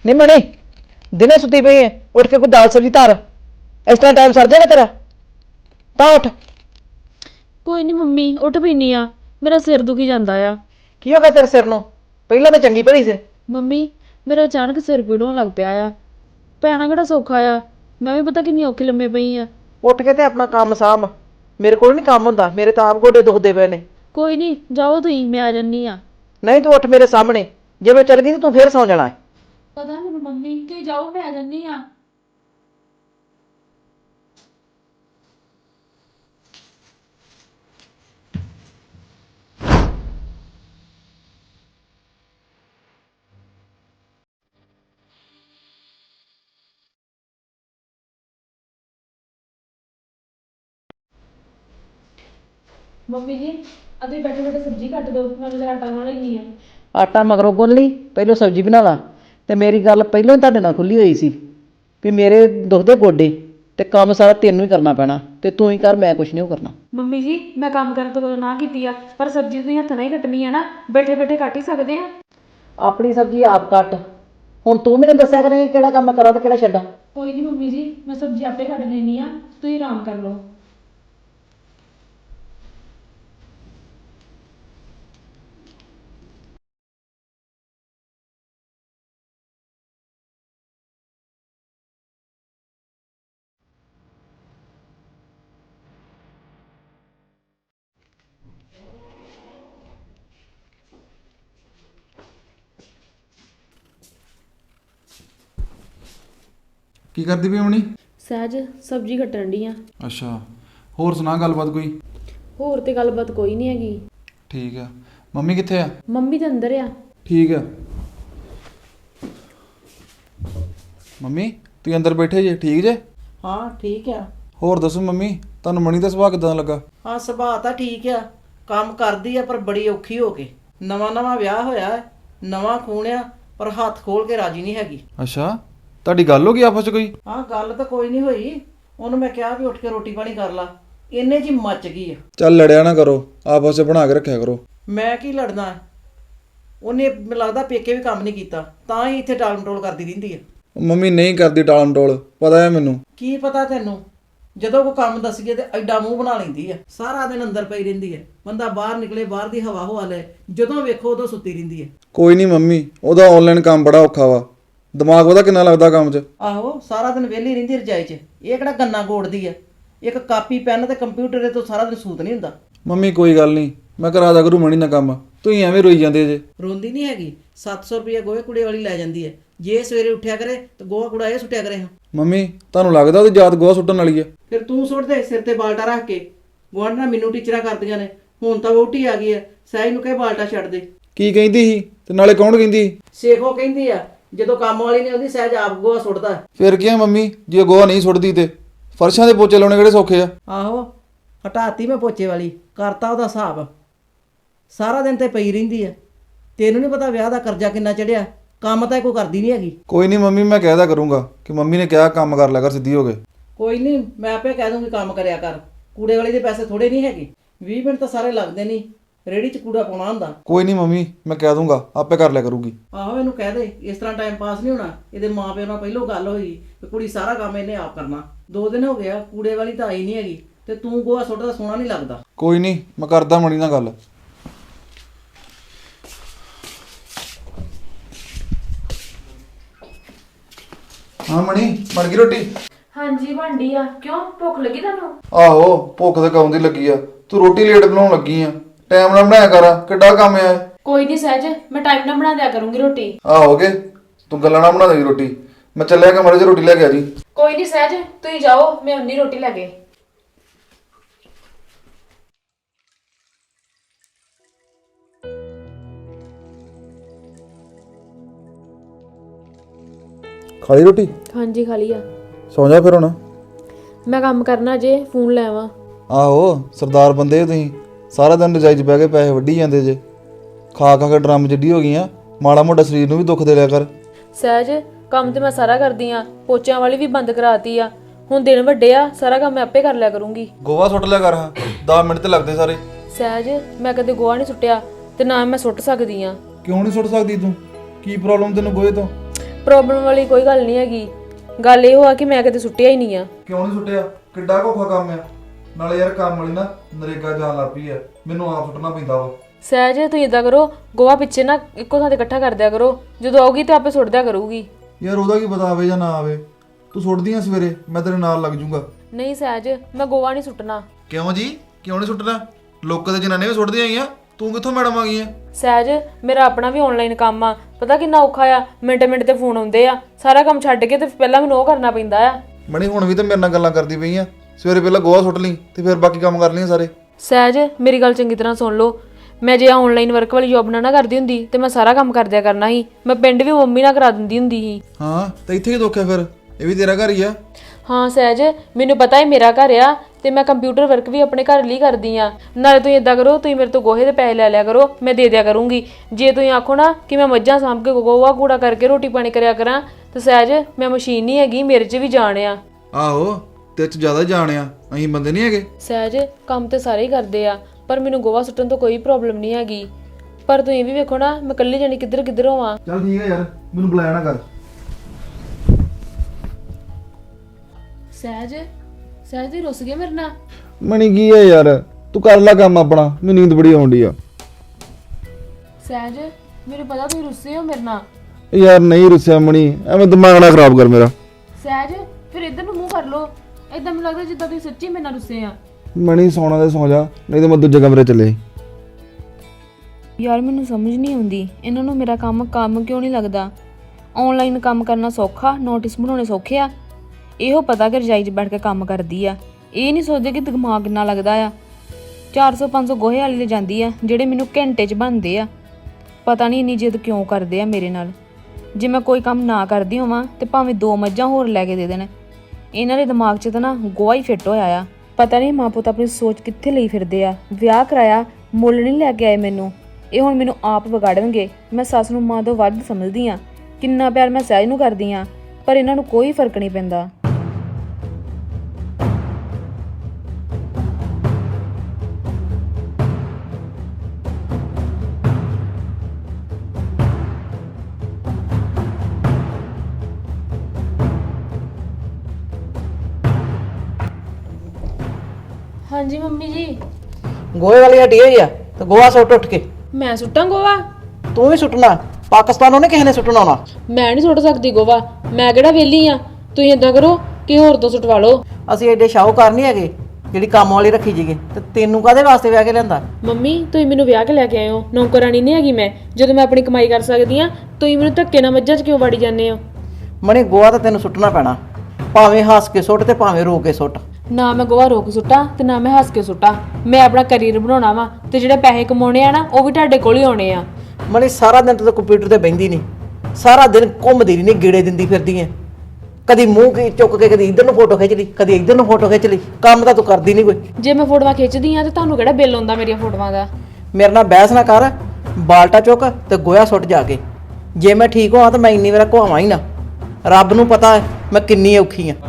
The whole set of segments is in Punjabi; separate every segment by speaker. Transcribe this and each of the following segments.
Speaker 1: नहीं मनी दिने सुती पई है, उठ के कोई दाल सब्जी धर। इस तरह टाइम सर जाएगा तेरा? ता उठ।
Speaker 2: ਕੋਈ ਨਹੀਂ ਮੰਮੀ ਉੱਠ ਪੈਣੀ ਆ। ਮੇਰਾ ਸਿਰ ਦੁਖੀ ਜਾਂਦਾ ਆ।
Speaker 1: की हो गया तेरे सिर नु? पहला तो चंगी भली से।
Speaker 2: ਮੰਮੀ ਮੇਰਾ ਅਚਾਨਕ ਸਿਰ ਪੀੜ ਹੋਣ ਲੱਗ ਪਿਆ ਆ। ਪੈਣਾ ਕਿਹੜਾ ਸੌਖਾ ਆ। ਮੈਂ ਵੀ ਪਤਾ ਕਿੰਨੀ ਔਖੀ ਲੰਮੇ ਪਈ ਆ।
Speaker 1: उठ के ते अपना काम साम। मेरे को नहीं काम होंदा, मेरे तो आप गोडे दुखदे पे ने।
Speaker 2: ਕੋਈ ਨਹੀਂ ਜਾਓ ਤੁਸੀਂ, ਮੈਂ ਆ ਜੰਨੀ ਆ।
Speaker 1: नहीं तू उठ मेरे सामने। जे मैं चल गई तो तू फिर सौ जाना है।
Speaker 2: ਪਤਾ ਮੈਨੂੰ ਮੰਮੀ, ਤੁਸੀਂ ਜਾਓ ਮੈਂ ਆ ਜੰਨੀ ਆ। ਮੰਮੀ ਜੀ ਅਤੇ ਬੈਠੇ ਬੈਠੇ ਸਬਜ਼ੀ ਕੱਟ ਦਿਓ, ਮੈਂ ਜਰਾ ਆਟਾ ਨਾਲ ਲੈਣੀ ਆ।
Speaker 1: आटा मगरों गुन ली, पहलों सब्जी बना ला। ते मेरी गल पहलों ही तुहाडे नाल खुली हुई सी भी मेरे दुखदे गोडे ते काम सारा तैनूं ही करना पैना ते तू ही कर, मैं कुछ नहीं करना।
Speaker 2: ਮੰਮੀ ਜੀ ਮੈਂ ਕੰਮ ਕਰਨ ਤੋਂ ਨਾ ਕੀਤੀ ਆ, ਪਰ ਸਬਜ਼ੀ ਤੁਸੀਂ ਹੱਥ ਨਾਲ ਹੀ ਕੱਟਣੀ ਆ ਨਾ, ਬੈਠੇ ਬੈਠੇ ਕੱਟ ਹੀ ਸਕਦੇ ਆ।
Speaker 1: अपनी सब्जी आप कट। हुण तू मैनूं दस्सिया करें किहड़ा काम मैं करा ते किहड़ा छड्डां।
Speaker 2: ਕੋਈ ਨਹੀਂ ਮੰਮੀ ਜੀ, ਮੈਂ ਸਬਜ਼ੀ ਆਪੇ ਕੱਟ ਲੈਣੀ ਆ, ਤੁਸੀਂ ਆਰਾਮ ਕਰ ਲਓ।
Speaker 3: ਕੀ ਕਰਦੀ ਪਈ ਅਮਣੀ?
Speaker 2: ਸਹਿਜ ਸਬਜ਼ੀ ਕੱਟਣ ਡਈ ਆ।
Speaker 3: ਅੱਛਾ, ਹੋਰ ਸੁਣਾ ਗੱਲਬਾਤ ਕੋਈ?
Speaker 2: ਹੋਰ ਤੇ ਗੱਲਬਾਤ ਕੋਈ ਨਹੀਂ ਹੈਗੀ।
Speaker 3: ਠੀਕ ਆ। ਮੰਮੀ ਕਿੱਥੇ ਆ?
Speaker 2: ਮੰਮੀ ਤੇ ਅੰਦਰ ਆ।
Speaker 3: ਠੀਕ ਆ। ਮੰਮੀ ਤੁਸੀਂ ਅੰਦਰ ਬੈਠੇ ਜੇ, ਠੀਕ ਜੇ?
Speaker 1: हाँ ठीक है।
Speaker 3: ਹੋਰ ਦੱਸੋ ਮੰਮੀ, ਤੁਹਾਨੂੰ ਮਣੀ ਦਾ ਸੁਭਾਅ ਕਿਦਾਂ ਲੱਗਾ?
Speaker 1: हाँ सुभाਅ ਤਾਂ ਠੀਕ ਆ, ਕੰਮ ਕਰਦੀ ਆ ਪਰ ਬੜੀ ਔਖੀ ਹੋ ਕੇ। ਨਵਾਂ ਵਿਆਹ ਹੋਇਆ ਹੈ, ਨਵਾਂ ਖੂਨ ਆ, ਪਰ ਹੱਥ ਖੋਲ ਕੇ ਰਾਜੀ ਨਹੀਂ ਹੈਗੀ।
Speaker 3: ਅੱਛਾ, ਤੁਹਾਡੀ ਗੱਲ ਹੋ ਗਈ ਆਪਸ ਚ ਕੋਈ?
Speaker 1: ਹਾਂ ਗੱਲ ਤਾਂ ਕੋਈ ਨਹੀਂ ਹੋਈ, ਉਹਨੂੰ ਮੈਂ ਕਿਹਾ ਵੀ ਉੱਠ ਕੇ ਰੋਟੀ ਪਾਣੀ ਕਰ ਲਾ, ਇੰਨੇ ਜੀ ਮੱਚ ਗਈ ਆ।
Speaker 3: ਚੱਲ ਲੜਿਆ ਨਾ ਕਰੋ, ਆਪਸ ਚ ਬਣਾ ਕੇ ਰੱਖਿਆ ਕਰੋ।
Speaker 1: ਮੈਂ ਕੀ ਲੜਨਾ ਹੈ? ਉਹਨੇ ਮੈਨੂੰ ਲੱਗਦਾ ਪੇਕੇ ਵੀ ਕੰਮ ਨਹੀਂ ਕੀਤਾ, ਤਾਂ ਹੀ ਇੱਥੇ ਟਾਲ ਮਟੋਲ ਕਰਦੀ ਰਹਿੰਦੀ ਆ।
Speaker 3: ਮੰਮੀ ਨਹੀਂ ਕਰਦੀ ਟਾਲ ਮਟੋਲ, ਪਤਾ ਹੈ ਮੈਨੂੰ।
Speaker 1: ਕੀ ਪਤਾ ਤੈਨੂੰ? ਜਦੋਂ ਕੋਈ ਕੰਮ ਦੱਸੀਏ ਤੇ ਐਡਾ ਮੂੰਹ ਬਣਾ ਲੈਂਦੀ ਆ। ਸਾਰਾ ਦਿਨ ਅੰਦਰ ਪਈ ਰਹਿੰਦੀ ਹੈ, ਬੰਦਾ ਬਾਹਰ ਨਿਕਲੇ ਬਾਹਰ ਦੀ ਹਵਾ ਹੁਆ ਲੈ, ਜਦੋਂ ਵੇਖੋ ਉਦੋਂ ਸੁੱਤੀ ਰਹਿੰਦੀ ਹੈ।
Speaker 3: ਕੋਈ ਨਹੀਂ ਮੰਮੀ, ਉਹਦਾ ਆਨਲਾਈਨ ਕੰਮ ਬੜਾ ਔਖਾ ਵਾ, ਦਿਮਾਗ ਉਹਦਾ ਕਿੰਨਾ ਲੱਗਦਾ ਕੰਮ 'ਚ।
Speaker 1: ਆਹੋ ਸਾਰਾ ਦਿਨ ਵਿਹਲੀ ਰਹਿੰਦੀ ਰਜਾਈ 'ਚ, ਇਹ ਕਿਹੜਾ ਗੰਨਾ ਗੋੜਦੀ ਆ। ਇੱਕ ਕਾਪੀ ਪੈਨ ਤੇ ਕੰਪਿਊਟਰ ਦੇ ਤੋਂ ਸਾਰਾ ਦਿਨ ਸੂਤ ਨਹੀਂ ਹੁੰਦਾ।
Speaker 3: ਮੰਮੀ ਕੋਈ ਗੱਲ ਨਹੀਂ, ਮੈਂ ਕਰਾ ਦਿਆ ਕਰੂ ਮਣੀ ਨਾਲ ਕੰਮ, ਤੁਸੀਂ ਐਵੇਂ ਰੋਈ ਜਾਂਦੇ ਜੇ।
Speaker 1: ਰੋਂਦੀ ਨਹੀਂ ਹੈਗੀ, 700 ਰੁਪਏ ਗੋਹੇ ਕੂੜੇ ਵਾਲੀ ਲੈ ਜਾਂਦੀ ਹੈ। ਜੇ ਸਵੇਰੇ ਉੱਠਿਆ ਕਰੇ ਤੇ ਗੋਹਾ ਕੂੜਾ ਇਹ ਸੁੱਟਿਆ ਕਰੇ।
Speaker 3: ਮੰਮੀ ਤੁਹਾਨੂੰ ਲੱਗਦਾ ਉਹਦੀ ਜਾਤ ਗੋਹਾ ਸੁੱਟਣ ਵਾਲੀ ਹੈ?
Speaker 1: ਫਿਰ ਤੂੰ ਸੁੱਟ ਦੇ ਸਿਰ ਤੇ ਬਾਲਟਾ ਰੱਖ ਕੇ। ਗੁਆਂਢਣਾਂ ਮੈਨੂੰ ਟੀਚਰਾਂ ਕਰਦੀਆਂ ਨੇ, ਹੁਣ ਤਾਂ ਵੋਟੀ ਆ ਗਈ ਹੈ, ਸਹਿਜ ਨੂੰ ਕਹੇ ਬਾਲਟਾ ਛੱਡ ਦੇ।
Speaker 3: ਕੀ ਕਹਿੰਦੀ ਸੀ ਤੇ ਨਾਲੇ ਕੌਣ ਕਹਿੰਦੀ ਸੀ?
Speaker 1: ਸੇਖੋ ਕਹਿੰਦੀ ਆ, ਜਦੋਂ ਕੰਮ ਵਾਲੀ ਨਹੀਂ ਆਉਂਦੀ ਸਹਿਜ ਆਪ ਗੋਹਾ ਸੁੱਟਦਾ।
Speaker 3: ਫਿਰ ਕੀ ਆ ਮੰਮੀ, ਜੇ ਗੋਹਾ ਨਹੀਂ ਸੁੱਟਦੀ ਤੇ ਫਰਸ਼ਾਂ ਦੇ ਪੋਚੇ ਲਾਉਣੇ ਕਿਹੜੇ ਸੌਖੇ ਆ?
Speaker 1: ਆਹੋ ਹਟਾਤੀ ਮੈਂ ਪੋਚੇ ਵਾਲੀ, ਕਰਤਾ ਉਹਦਾ ਹਿਸਾਬ। ਸਾਰਾ ਦਿਨ ਤੇ ਪਈ ਰਹਿੰਦੀ ਆ। ਤੈਨੂੰ ਨਹੀਂ ਪਤਾ ਵਿਆਹ ਦਾ ਕਰਜ਼ਾ ਕਿੰਨਾ ਚੜਿਆ, ਕੰਮ ਤਾਂ ਇਹ ਕੋਈ ਕਰਦੀ ਨਹੀਂ ਹੈਗੀ।
Speaker 3: ਕੋਈ ਨਹੀਂ ਮੰਮੀ, ਮੈਂ ਕਹਿਦਾ ਕਰੂੰਗਾ ਕਿ ਮੰਮੀ ਨੇ ਕਿਹਾ ਕੰਮ ਕਰ ਲਿਆ ਕਰ ਸਿੱਧੀ ਹੋ ਕੇ।
Speaker 1: ਕੋਈ ਨਹੀਂ, ਮੈਂ ਆਪੇ ਕਹਿ ਦੂੰਗੀ ਕੰਮ ਕਰਿਆ ਕਰ। ਕੂੜੇ ਵਾਲੀ ਦੇ ਪੈਸੇ ਥੋੜੇ ਨਹੀਂ ਹੈਗੇ, 20 ਮਿੰਟ ਤਾਂ ਸਾਰੇ ਲੱਗਦੇ ਨਹੀਂ, ਰੇੜੀ 'ਚ ਕੂੜਾ ਪਾਉਣਾ ਹੁੰਦਾ।
Speaker 3: ਕੋਈ ਨਹੀਂ ਮੰਮੀ, ਮੈਂ ਕਹਿ ਦੂੰਗਾ, ਆਪੇ ਕਰ ਲਿਆ ਕਰੂਗੀ।
Speaker 1: ਆਹੋ ਇਹਨੂੰ ਕਹਿ ਦੇ, ਇਸ ਤਰ੍ਹਾਂ ਟਾਈਮ ਪਾਸ ਨਹੀਂ ਹੋਣਾ। ਇਹਦੇ ਮਾਂ ਪਿਓ ਨਾਲ ਪਹਿਲੋਂ ਗੱਲ ਹੋਈ ਕਿ ਕੁੜੀ ਸਾਰਾ ਕੰਮ ਇਹਨੇ ਆਪ ਕਰਨਾ। 2 ਦਿਨ ਹੋ ਗਿਆ ਕੂੜੇ ਵਾਲੀ ਤਾਂ ਆਈ ਨਹੀਂ ਹੈਗੀ, ਤੇ ਤੂੰ ਗੋਹਾ ਸੁੱਟਦਾ ਸੋਹਣਾ ਨਹੀਂ ਲੱਗਦਾ।
Speaker 3: ਕੋਈ ਨਹੀਂ, ਮੈਂ ਕਰਦਾ ਮਣੀ ਨਾਲ ਗੱਲ। ਹਾਂ ਮਣੀ, ਬਣ ਗਈ ਰੋਟੀ?
Speaker 2: ਹਾਂਜੀ ਬਣਦੀ ਆ। ਕਿਉਂ ਭੁੱਖ ਲੱਗੀ ਤੁਹਾਨੂੰ?
Speaker 3: ਆਹੋ ਭੁੱਖ ਤਾਂ ਕਾਉਂਦੀ ਲੱਗੀ ਆ, ਤੂੰ ਰੋਟੀ ਲੇਟ ਬਣਾਉਣ ਲੱਗੀ ਆ। ਟਾਈਮ ਨਾਲ ਬਣਾਇਆ ਕਰ, ਕਿੱਡਾ ਕੰਮ ਆ।
Speaker 2: ਕੋਈ ਨਹੀਂ ਸਹਿਜ, ਮੈਂ ਟਾਈਮ ਨਾਲ ਬਣਾ ਦਿਆ ਕਰੂੰਗੀ ਰੋਟੀ।
Speaker 3: ਆਹੋਗੇ ਤੂੰ ਗੱਲਾਂ ਨਾ ਬਣਾ ਦੇ ਰੋਟੀ। ਮੈਂ ਚੱਲਿਆ ਕਮਰੇ 'ਚ ਰੋਟੀ ਲੈ ਕੇ ਆ ਜੀ।
Speaker 2: ਕੋਈ ਨਹੀਂ ਸਹਿਜ, ਤੁਸੀਂ ਜਾਓ, ਮੈਂ ਉਨੀ ਰੋਟੀ ਲੈ ਕੇ।
Speaker 3: ਖਾ ਲਈ ਰੋਟੀ?
Speaker 2: ਹਾਂਜੀ ਖਾ ਲਈ ਆ।
Speaker 3: ਸੌਂ ਜਾ ਫਿਰ ਹੁਣ।
Speaker 2: ਮੈਂ ਕੰਮ ਕਰਨਾ ਜੇ, ਫੋਨ ਲੈ ਆਵਾਂ।
Speaker 3: ਆਹੋ ਸਰਦਾਰ ਬੰਦੇ ਹੋ ਤੁਸੀਂ, ਸਾਰਾ ਦਿਨ ਰਜਾਈ 'ਚ ਬਹਿ ਕੇ ਪੈਸੇ ਵੱਢੀ ਜਾਂਦੇ ਜੇ। ਖਾ ਖਾ ਕੇ ਡਰਮ ਜਿੱਡੀ ਹੋ ਗਈ ਆ, ਮਾੜਾ ਮੋਟਾ ਸਰੀਰ ਨੂੰ ਵੀ ਦੁੱਖ ਦੇ ਲਿਆ ਕਰ।
Speaker 2: ਸਹਿਜ ਕੰਮ ਤੇ ਮੈਂ ਸਾਰਾ ਕਰਦੀ ਆ, ਪੋਚਿਆਂ ਵਾਲੀ ਵੀ ਬੰਦ ਕਰਾਤੀ ਆ। ਹੁਣ ਦਿਨ ਵੱਡੇ ਆ, ਸਾਰਾ ਕੰਮ ਮੈਂ ਆਪੇ ਕਰ ਲਿਆ ਕਰੂੰਗੀ।
Speaker 3: ਗੋਹਾ ਸੁੱਟ ਲਿਆ ਕਰ, ਹਾਂ 10 ਮਿੰਟ ਤੇ ਲੱਗਦੇ ਸਾਰੇ।
Speaker 2: ਸਹਿਜ ਮੈਂ ਕਦੇ ਗੋਹਾ ਨਹੀਂ ਸੁੱਟਿਆ, ਤੇ ਨਾ ਮੈਂ ਸੁੱਟ ਸਕਦੀ ਆ।
Speaker 3: ਕਿਉਂ ਨਹੀਂ ਸੁੱਟ ਸਕਦੀ ਤੂੰ? ਕੀ ਪ੍ਰੋਬਲਮ ਤੈਨੂੰ ਗੋਹੇ ਤੋਂ?
Speaker 2: ਪ੍ਰੋਬਲਮ ਵਾਲੀ ਕੋਈ ਗੱਲ ਨਹੀਂ ਹੈਗੀ। ਗੱਲ ਇਹ ਹੋਆ ਕਿ ਮੈਂ ਕਿਤੇ ਸੁੱਟਿਆ ਹੀ ਨਹੀਂ ਆ।
Speaker 3: ਕਿਉਂ ਨਹੀਂ ਸੁੱਟਿਆ? ਕਿੱਡਾ ਔਖਾ ਕੰਮ ਆ। ਨਾਲੇ ਯਾਰ ਕੰਮ ਵਾਲੀ ਨਾ ਨਰੇਗਾ ਜਾਣ ਲੱਗ ਪਈ ਆ, ਮੈਨੂੰ ਆਪ ਸੁੱਟਣਾ ਪੈਂਦਾ ਵਾ।
Speaker 2: ਸਹਿਜ ਤੁਸੀਂ ਇਦਾਂ ਕਰੋ, ਗੋਹਾ ਪਿੱਛੇ ਨਾ ਇੱਕੋ ਥਾਂ ਤੇ ਇਕੱਠਾ ਕਰ ਦਿਆ ਕਰੋ, ਜਦੋਂ ਆਊਗੀ ਤੇ ਆਪੇ ਸੁੱਟ ਦਿਆ ਕਰੂਗੀ।
Speaker 3: ਯਾਰ ਉਹਦਾ ਕੀ ਪਤਾ ਆਵੇ ਜਾਂ ਨਾ ਆਵੇ, ਤੂੰ ਸੁੱਟਦੀ ਆ ਸਵੇਰੇ, ਮੈਂ ਤੇਰੇ ਨਾਲ ਲੱਗ ਜੂੰਗਾ।
Speaker 2: ਨਹੀਂ ਸਹਿਜ, ਮੈਂ ਗੋਹਾ ਨਹੀਂ ਸੁੱਟਣਾ।
Speaker 3: ਕਿਉਂ ਜੀ? ਕਿਉਂ ਨਹੀਂ ਸੁੱਟਣਾ? ਲੋਕਾਂ ਦੇ ਜਨਾਨੇ ਵੀ ਸੁੱਟਦੀਆਂ ਆਈਆਂ, ਤੂੰ ਕਿੱਥੋਂ ਮੈਡਮ ਆ ਗਈ ਆ?
Speaker 2: ਸਹਿਜ, ਮੇਰਾ ਆਪਣਾ ਵੀ ਆਨਲਾਈਨ ਕੰਮ ਆ, ਪਤਾ ਕਿੰਨਾ ਔਖਾ ਆ। ਮਿੰਟ ਮਿੰਟ ਤੇ ਫੋਨ ਆਉਂਦੇ ਆ, ਸਾਰਾ ਕੰਮ ਛੱਡ ਕੇ ਤੇ ਪਹਿਲਾਂ ਮੈਨੂੰ ਉਹ ਕਰਨਾ ਪੈਂਦਾ ਆ।
Speaker 3: ਮਣੀ ਹੁਣ ਵੀ ਤਾਂ ਮੇਰੇ ਨਾਲ ਗੱਲਾਂ ਕਰਦੀ ਪਈ ਆ। ਸਵੇਰੇ ਪਹਿਲਾਂ ਗੋਹਾ ਸੁੱਟ ਲਈ ਤੇ ਫਿਰ ਬਾਕੀ ਕੰਮ ਕਰ ਲਈ ਸਾਰੇ।
Speaker 2: ਸਹਿਜ, ਮੇਰੀ ਗੱਲ ਚੰਗੀ ਤਰ੍ਹਾਂ ਸੁਣ ਲਓ। ਮੈਂ ਜੇ ਆਨਲਾਈਨ ਵਰਕ ਵਾਲੀ ਜੌਬ ਨਾ ਕਰਦੀ ਹੁੰਦੀ ਤੇ ਮੈਂ ਸਾਰਾ ਕੰਮ ਕਰਦਿਆ ਕਰਨਾ ਸੀ। ਮੈਂ ਪਿੰਡ ਵੀ ਮੰਮੀ ਨਾਲ ਕਰਾ ਦਿੰਦੀ ਹੁੰਦੀ ਸੀ।
Speaker 3: ਹਾਂ ਤੇ ਇੱਥੇ ਕੀ ਦੁੱਖ ਹੈ ਫਿਰ? ਇਹ ਵੀ ਤੇਰਾ ਘਰ ਹੀ ਆ।
Speaker 2: ਹਾਂ ਸਹਿਜ, ਮੈਨੂੰ ਪਤਾ ਹੈ ਮੇਰਾ ਘਰ ਆ ਤੇ ਮੈਂ ਕੰਪਿਊਟਰ ਵਰਕ ਵੀ ਆਪਣੇ ਘਰ ਲਈ ਕਰਦੀ ਆ। ਨਾਲੇ ਤੁਸੀਂ ਇਦਾਂ ਕਰੋ, ਤੁਸੀਂ ਮੇਰੇ ਤੋਂ ਗੋਹੇ ਦੇ ਪੈਸੇ ਲੈ ਲਿਆ ਕਰੋ, ਮੈਂ ਦੇ ਦਿਆ ਕਰੂੰਗੀ। ਜੇ ਤੁਸੀਂ ਆਖੋ ਨਾ ਕਿ ਮੈਂ ਮੱਝਾਂ ਸਾਂਭ ਕੇ ਗੋਹਾ ਕੂੜਾ ਕਰਕੇ ਰੋਟੀ ਪਾਣੀ ਕਰਿਆ ਕਰਾਂ, ਤੇ ਸਹਿਜ ਮੈਂ ਮਸ਼ੀਨ ਨਹੀਂ ਹੈਗੀ, ਮੇਰੇ 'ਚ ਵੀ ਜਾਣ ਆ।
Speaker 3: ਆਹੋ ਤੇ ਚ ਜ਼ਿਆਦਾ ਜਾਣਿਆ, ਅਸੀਂ ਬੰਦੇ ਨਹੀਂ ਹੈਗੇ।
Speaker 2: ਸਹਿਜ, ਕੰਮ ਤੇ ਸਾਰੇ ਹੀ ਕਰਦੇ ਆ, ਪਰ ਮੈਨੂੰ ਗੋਹਾ ਸੁੱਟਣ ਤੋਂ ਕੋਈ ਪ੍ਰੋਬਲਮ ਨਹੀਂ ਹੈਗੀ। ਪਰ ਤੁਸੀਂ ਇਹ ਵੀ ਵੇਖੋ ਨਾ, ਮੈਂ ਇਕੱਲੀ ਜਾਣੀ ਕਿੱਧਰ ਹੋਵਾਂ।
Speaker 3: ਚੱਲ ਠੀਕ ਹੈ ਯਾਰ, ਮੈਨੂੰ ਬੁਲਾਇਆ ਨਾ ਕਰ।
Speaker 2: ਸਹਿਜ, ਸਹਿਜ ਤੁਸੀਂ ਰੁੱਸ ਗਏ ਮੇਰੇ ਨਾਲ?
Speaker 3: ਮਣੀ ਕੀ ਹੈ ਯਾਰ, ਤੂੰ ਕਰ ਲੈ ਕੰਮ ਆਪਣਾ, ਮੈਨੂੰ ਨੀਂਦ ਬੜੀ ਆਉਂਦੀ ਆ।
Speaker 2: ਸਹਿਜ, ਮੈਨੂੰ ਪਤਾ ਤੁਸੀਂ ਰੁੱਸੇ ਹੋ ਮੇਰੇ ਨਾਲ।
Speaker 3: ਯਾਰ ਨਹੀਂ ਰੁੱਸਿਆ ਮਣੀ, ਐਵੇਂ ਦਿਮਾਗ ਨਾ ਖਰਾਬ ਕਰ ਮੇਰਾ।
Speaker 2: ਸਹਿਜ, ਫਿਰ ਇੱਧਰ ਨੂੰ ਮੂੰਹ ਕਰ ਲੋ। ਏਦਾਂ ਮੈਨੂੰ ਲੱਗਦਾ ਜਿੱਦਾਂ ਤੁਸੀਂ ਸੱਚੀ ਮੇਰੇ ਨਾਲ ਰੁੱਸੇ ਆ।
Speaker 3: ਮਣੀ ਸੌਣਾ ਤੇ ਸੌ ਜਾ, ਨਹੀਂ ਤੇ ਮੈਂ ਦੂਜੇ ਕਮਰੇ ਚਲੇ।
Speaker 2: ਯਾਰ ਮੈਨੂੰ ਸਮਝ ਨਹੀਂ ਆਉਂਦੀ, ਇਹਨਾਂ ਨੂੰ ਮੇਰਾ ਕੰਮ ਕਿਉਂ ਨਹੀਂ ਲੱਗਦਾ। ਆਨਲਾਈਨ ਕੰਮ ਕਰਨਾ ਸੌਖਾ, ਨੋਟਿਸ ਬਣਾਉਣੇ ਸੌਖੇ ਆ। ਇਹੋ ਪਤਾ ਕਿ ਰਜਾਈ 'ਚ ਬੈਠ ਕੇ ਕੰਮ ਕਰਦੀ ਆ। ਇਹ ਨਹੀਂ ਸੋਚਦੇ ਕਿ ਦਿਮਾਗ ਕਿੰਨਾ ਲੱਗਦਾ ਆ। 400-500 ਗੋਹੇ ਵਾਲੀ ਲੈ ਜਾਂਦੀ ਆ, ਜਿਹੜੇ ਮੈਨੂੰ ਘੰਟੇ 'ਚ ਬਣਦੇ ਆ। ਪਤਾ ਨਹੀਂ ਇੰਨੀ ਜਿੱਦ ਕਿਉਂ ਕਰਦੇ ਆ ਮੇਰੇ ਨਾਲ। ਜੇ ਮੈਂ ਕੋਈ ਕੰਮ ਨਾ ਕਰਦੀ ਹੋਵਾਂ ਤੇ ਭਾਵੇਂ 2 ਮੱਝਾਂ ਹੋਰ ਲੈ ਕੇ ਦੇ ਦੇਣ। ਇਹਨਾਂ ਦੇ ਦਿਮਾਗ 'ਚ ਤਾਂ ਨਾ ਗੋਹਾ ਹੀ ਫਿੱਟ ਹੋਇਆ ਆ। ਪਤਾ ਨਹੀਂ ਮਾਂ ਪੁੱਤ ਆਪਣੀ ਸੋਚ ਕਿੱਥੇ ਲਈ ਫਿਰਦੇ ਆ। ਵਿਆਹ ਕਰਾਇਆ, ਮੁੱਲ ਨਹੀਂ ਲੈ ਕੇ ਆਏ ਮੈਨੂੰ। ਇਹ ਹੁਣ ਮੈਨੂੰ ਆਪ ਵਿਗਾੜਨਗੇ। ਮੈਂ ਸੱਸ ਨੂੰ ਮਾਂ ਤੋਂ ਵੱਧ ਸਮਝਦੀ ਆ। ਕਿੰਨਾ ਪਿਆਰ ਮੈਂ ਸਹਿਜ ਨੂੰ ਕਰਦੀ ਆ, ਪਰ ਇਹਨਾਂ ਨੂੰ ਕੋਈ ਫਰਕ ਨਹੀਂ ਪੈਂਦਾ। ਹਾਂਜੀ ਮੰਮੀ ਜੀ।
Speaker 1: ਗੋਹੇ ਵਾਲੀ ਹੱਡੀ ਹੋਈ ਆ ਤੇ ਗੋਹਾ ਸੁੱਟ ਉੱਠ ਕੇ।
Speaker 2: ਮੈਂ ਸੁੱਟਾਂ ਗੋਵਾ?
Speaker 1: ਤੂੰ ਵੀ ਸੁੱਟਣਾ, ਪਾਕਿਸਤਾਨ ਉਹਨੇ ਕਿਸੇ ਨੇ ਸੁੱਟਣਾ ਆਉਣਾ।
Speaker 2: ਮੈਂ ਨਹੀਂ ਸੁੱਟ ਸਕਦੀ ਗੋਵਾ, ਮੈਂ ਕਿਹੜਾ ਵਿਹਲੀ ਆ। ਤੁਸੀਂ ਏਦਾਂ ਕਰੋ ਕਿ ਹੋਰ ਤੋਂ ਸੁੱਟਵਾ ਲਓ।
Speaker 1: ਅਸੀਂ ਐਡੇ ਸ਼ਾਹੂਕਾਰ ਨਹੀਂ ਹੈਗੇ ਜਿਹੜੀ ਕੰਮ ਵਾਲੀ ਰੱਖੀ ਜੀਗੇ। ਤੇ ਤੈਨੂੰ ਕਾਹਦੇ ਵਾਸਤੇ ਵਿਆਹ ਕੇ ਲਿਆਂਦਾ?
Speaker 2: ਮੰਮੀ ਤੁਸੀਂ ਮੈਨੂੰ ਵਿਆਹ ਕੇ ਲੈ ਕੇ ਆਏ ਹੋ, ਨੌਕਰਾਨੀ ਨਹੀਂ ਹੈਗੀ ਮੈਂ। ਜਦੋਂ ਮੈਂ ਆਪਣੀ ਕਮਾਈ ਕਰ ਸਕਦੀ ਆ, ਤੁਸੀਂ ਮੈਨੂੰ ਧੱਕੇ ਨਾਲ ਮੱਝਾਂ 'ਚ ਕਿਉਂ ਵਾੜੀ ਜਾਂਦੇ ਹੋ?
Speaker 1: ਮਣੀ ਗੋਹਾ ਤਾਂ ਤੈਨੂੰ ਸੁੱਟਣਾ ਪੈਣਾ, ਭਾਵੇਂ ਹੱਸ ਕੇ ਸੁੱਟ ਤੇ ਭਾਵੇਂ ਰੋ ਕੇ ਸੁੱਟ।
Speaker 2: ਨਾ ਮੈਂ ਗੋਹਾ ਰੋਕ ਸੁੱਟਾਂ ਤੇ ਨਾ ਮੈਂ ਹੱਸ ਕੇ ਸੁੱਟਾਂ। ਮੈਂ ਆਪਣਾ ਕੈਰੀਅਰ ਬਣਾਉਣਾ ਵਾ, ਤੇ ਜਿਹੜੇ ਪੈਸੇ ਕਮਾਉਣੇ ਆ ਨਾ, ਉਹ ਵੀ ਤੁਹਾਡੇ ਕੋਲ ਹੀ ਆਉਣੇ ਆ।
Speaker 1: ਮਣੀ ਸਾਰਾ ਦਿਨ ਤੂੰ ਕੰਪਿਊਟਰ ਤੇ ਬਹਿੰਦੀ ਨਹੀਂ, ਸਾਰਾ ਦਿਨ ਘੁੰਮਦੀ ਨਹੀਂ, ਗੇੜੇ ਦਿੰਦੀ ਫਿਰਦੀ ਐ। ਕਦੀ ਮੂੰਹ ਚੁੱਕ ਕੇ ਕਦੀ ਇੱਧਰ ਨੂੰ ਫੋਟੋ ਖਿੱਚ ਲਈ, ਕਦੀ ਇੱਧਰ ਨੂੰ ਫੋਟੋ ਖਿੱਚ ਲਈ। ਕੰਮ ਤਾਂ ਤੂੰ ਕਰਦੀ ਨਹੀਂ ਕੋਈ।
Speaker 2: ਜੇ ਮੈਂ ਫੋਟੋਆਂ ਖਿੱਚਦੀ ਆ ਤੇ ਤੁਹਾਨੂੰ ਕਿਹੜਾ ਬਿੱਲ ਆਉਂਦਾ ਮੇਰੀਆਂ ਫੋਟੋਆਂ ਦਾ?
Speaker 1: ਮੇਰੇ ਨਾਲ ਬਹਿਸ ਨਾ ਕਰ, ਬਾਲਟਾ ਚੁੱਕ ਤੇ ਗੋਹਾ ਸੁੱਟ ਜਾ ਕੇ। ਜੇ ਮੈਂ ਠੀਕ ਹੋਵਾਂ ਤਾਂ ਮੈਂ ਇੰਨੀ ਵਾਰ ਘੁਆਵਾਂ ਹੀ ਨਾ। ਰੱਬ ਨੂੰ ਪਤਾ ਮੈਂ ਕਿੰਨੀ ਔਖੀ ਆ।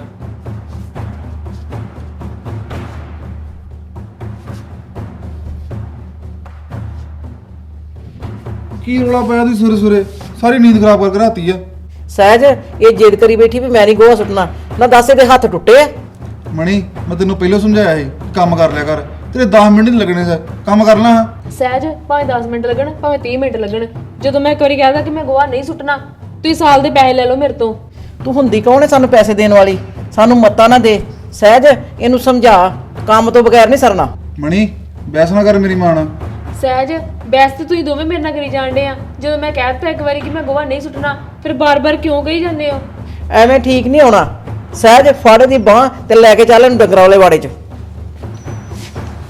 Speaker 3: ਕੀ ਰੌਲਾ ਪਾਇਆ ਤੂੰ ਸਵੇਰੇ ਸਵੇਰੇ? ਸਾਰੀ ਨੀਂਦ ਖਰਾਬ ਕਰਕੇ ਰਾਤੀ ਆ।
Speaker 1: ਸਹਿਜ ਇਹ ਜਿੱਦ ਕਰੀ ਬੈਠੀ ਵੀ ਮੈਂ ਨਹੀਂ ਗੋਹਾ ਸੁੱਟਣਾ। ਨਾ ਦੱਸ ਇਹਦੇ ਹੱਥ ਟੁੱਟੇ ਆ?
Speaker 3: ਮਣੀ ਮੈਂ ਤੈਨੂੰ ਪਹਿਲਾਂ ਸਮਝਾਇਆ ਸੀ ਕੰਮ ਕਰ ਲਿਆ ਕਰ, ਤੇਰੇ 10 ਮਿੰਟ ਨਹੀਂ ਲੱਗਣੇ ਸੀ, ਕੰਮ ਕਰ ਲਾ।
Speaker 2: ਸਹਿਜ, ਭਾਵੇਂ 10 ਮਿੰਟ ਲੱਗਣ, ਭਾਵੇਂ 30 ਮਿੰਟ ਲੱਗਣ, ਜਦੋਂ ਮੈਂ ਇੱਕ ਵਾਰੀ ਕਹਿਦਾ ਕਿ ਮੈਂ ਗੋਹਾ ਨਹੀਂ ਸੁੱਟਣਾ, ਤੁਸੀਂ ਸਾਲ ਦੇ ਪੈਸੇ ਲੈ ਲਓ ਮੇਰੇ ਤੋਂ।
Speaker 1: ਤੂੰ ਹੁੰਦੀ ਕੌਣ ਹੈ ਸਾਨੂੰ ਪੈਸੇ ਦੇਣ ਵਾਲੀ? ਸਾਨੂੰ ਮੱਤਾ ਨਾ ਦੇ। ਸਹਿਜ ਇਹਨੂੰ ਸਮਝਾ, ਕੰਮ ਤੋਂ ਬਗੈਰ ਨਹੀਂ ਸਰਨਾ।
Speaker 3: ਮਣੀ ਬਹਿਸ ਨਾ ਕਰ ਮੇਰੀ ਮਾਂ ਨਾਲ।
Speaker 2: ਸਹਿਜ, ਬੈਸ ਤੇ ਤੁਸੀਂ ਦੋਵੇਂ ਮੇਰੇ ਨਾਲ ਕਰੀ ਜਾਂਦੇ ਆ। ਜਦੋਂ ਮੈਂ ਕਹਿ ਦਿੱਤਾ ਇੱਕ ਵਾਰੀ ਕਿ ਮੈਂ ਗੋਹਾ ਨਹੀਂ ਸੁੱਟਣਾ, ਫਿਰ ਬਾਰ-ਬਾਰ ਕਿਉਂ ਕਹੀ ਜਾਂਦੇ ਹੋ?
Speaker 1: ਐਵੇਂ ਠੀਕ ਨਹੀਂ ਹੋਣਾ। ਸਹਿਜ ਫੜ ਦੀ ਬਾਂਹ ਤੇ ਲੈ ਕੇ ਚੱਲ ਇਹਨੂੰ ਡੰਗਰਾਂ ਵਾਲੇ ਵਾੜੇ 'ਚ।